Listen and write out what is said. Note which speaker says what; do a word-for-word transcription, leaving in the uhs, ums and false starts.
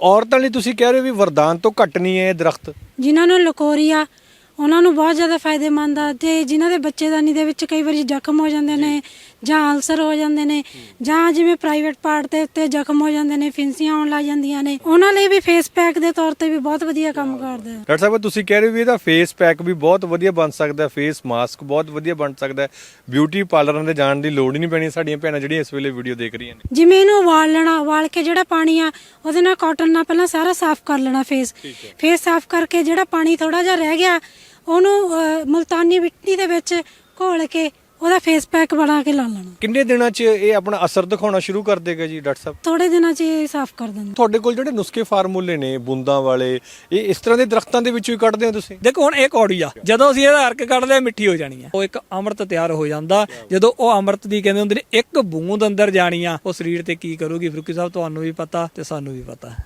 Speaker 1: ਔਰਤਾਂ ਲਈ ਤੁਸੀਂ ਕਹਿ ਰਹੇ ਹੋ ਵੀ ਵਰਦਾਨ ਤੋਂ ਘੱਟ ਨਹੀਂ ਹੈ ਇਹ ਦਰਖਤ।
Speaker 2: ਜਿਨ੍ਹਾਂ ਨੂੰ ਲਕੋਰੀਆ ਉਹਨਾਂ ਨੂੰ ਬਹੁਤ ਜ਼ਿਆਦਾ ਫਾਇਦੇਮੰਦ ਆ, ਤੇ ਜਿਨ੍ਹਾਂ ਦੇ ਬੱਚੇਦਾਨੀ ਦੇ ਵਿੱਚ ਕਈ ਵਾਰੀ ਜ਼ਖਮ ਹੋ ਜਾਂਦੇ ਨੇ ਜਾਂ ਅਲਸਰ ਹੋ ਜਾਂਦੇ ਨੇ ਜਾਂ ਜਿਵੇਂ ਪ੍ਰਾਈਵੇਟ ਪਾਰਟ ਦੇ ਉੱਤੇ ਜ਼ਖਮ ਹੋ ਜਾਂਦੇ ਨੇ, ਫਿੰਸੀਆਂ ਆਉਣ ਲੱਗ ਜਾਂਦੀਆਂ ਨੇ, ਉਹਨਾਂ ਲਈ ਵੀ ਫੇਸ ਪੈਕ ਦੇ ਤੌਰ ਤੇ ਵੀ ਬਹੁਤ ਵਧੀਆ ਕੰਮ ਕਰਦਾ ਹੈ।
Speaker 1: ਡਾਕਟਰ ਸਾਹਿਬ ਤੁਸੀਂ ਕਹਿ ਰਹੇ ਹੋ ਵੀ ਇਹਦਾ ਫੇਸ ਪੈਕ ਵੀ ਬਹੁਤ ਵਧੀਆ ਬਣ ਸਕਦਾ, ਫੇਸ ਮਾਸਕ ਬਹੁਤ ਵਧੀਆ ਬਣ ਸਕਦਾ, ਬਿਊਟੀ ਪਾਰਲਰਾਂ ਦੇ ਜਾਣ ਦੀ ਲੋੜ ਹੀ ਨਹੀਂ ਪੈਣੀ ਸਾਡੀਆਂ ਭੈਣਾਂ ਜਿਹੜੀਆਂ ਇਸ ਵੇਲੇ ਵੀਡੀਓ ਦੇਖ ਰਹੀਆਂ ਨੇ।
Speaker 2: ਜਿਵੇਂ ਇਹਨੂੰ ਉਬਾਲ ਲੈਣਾ, ਉਬਾਲ ਕੇ ਜਿਹੜਾ ਪਾਣੀ ਆ ਉਹਦੇ ਨਾਲ ਕਾਟਨ ਨਾਲ ਪਹਿਲਾਂ ਸਾਰਾ ਸਾਫ਼ ਕਰ ਲੈਣਾ ਫੇਸ। ਫੇਸ ਸਾਫ਼ ਕਰਕੇ ਜਿਹੜਾ ਪਾਣੀ ਥੋੜਾ ਜਿਹਾ ਰਹਿ ਗਿਆ ਉਹਨੂੰ ਮੁਲਤਾਨੀ ਮਿੱਟੀ ਦੇ ਵਿੱਚ ਘੋਲ ਕੇ ਉਹਦਾ ਫੇਸ ਪੈਕ ਬਣਾ ਕੇ ਲਾ ਲੈਣਾ। ਕਿੰਨੇ
Speaker 1: ਦਿਨਾਂ 'ਚ ਇਹ ਆਪਣਾ ਅਸਰ ਦਿਖਾਉਣਾ ਸ਼ੁਰੂ ਕਰ ਦੇਗਾ ਜੀ ਡਾਕਟਰ ਸਾਹਿਬ?
Speaker 2: ਥੋੜੇ ਦਿਨਾਂ 'ਚ ਇਹ ਸਾਫ਼ ਕਰ ਦਿੰਦਾ।
Speaker 1: ਤੁਹਾਡੇ ਕੋਲ ਜਿਹੜੇ ਨੁਸਖੇ ਫਾਰਮੂਲੇ ਨੇ ਬੂੰਦਾਂ ਵਾਲੇ, ਇਹ ਇਸ ਤਰ੍ਹਾਂ ਦੇ ਦਰਖਤਾਂ ਦੇ ਵਿੱਚੋਂ ਹੀ ਕੱਢਦੇ ਹੋ ਤੁਸੀਂ?
Speaker 3: ਦੇਖੋ ਹੁਣ ਇਹ ਕੌੜੀ ਆ, ਜਦੋਂ ਅਸੀਂ ਇਹਦਾ ਅਰਕ ਕੱਢਦੇ ਮਿੱਠੀ ਹੋ ਜਾਣੀ ਆ, ਉਹ ਇੱਕ ਅੰਮ੍ਰਿਤ ਤਿਆਰ ਹੋ ਜਾਂਦਾ। ਜਦੋਂ ਉਹ ਅੰਮ੍ਰਿਤ ਦੀ ਕਹਿੰਦੇ ਹੁੰਦੇ ਨੇ ਇੱਕ ਬੂੰਦ ਅੰਦਰ ਜਾਣੀ ਆ, ਉਹ ਸਰੀਰ ਤੇ ਕੀ ਕਰੂਗੀ ਫਰੂਕੀ ਸਾਹਿਬ ਤੁਹਾਨੂੰ ਵੀ ਪਤਾ ਤੇ ਸਾਨੂੰ ਵੀ ਪਤਾ।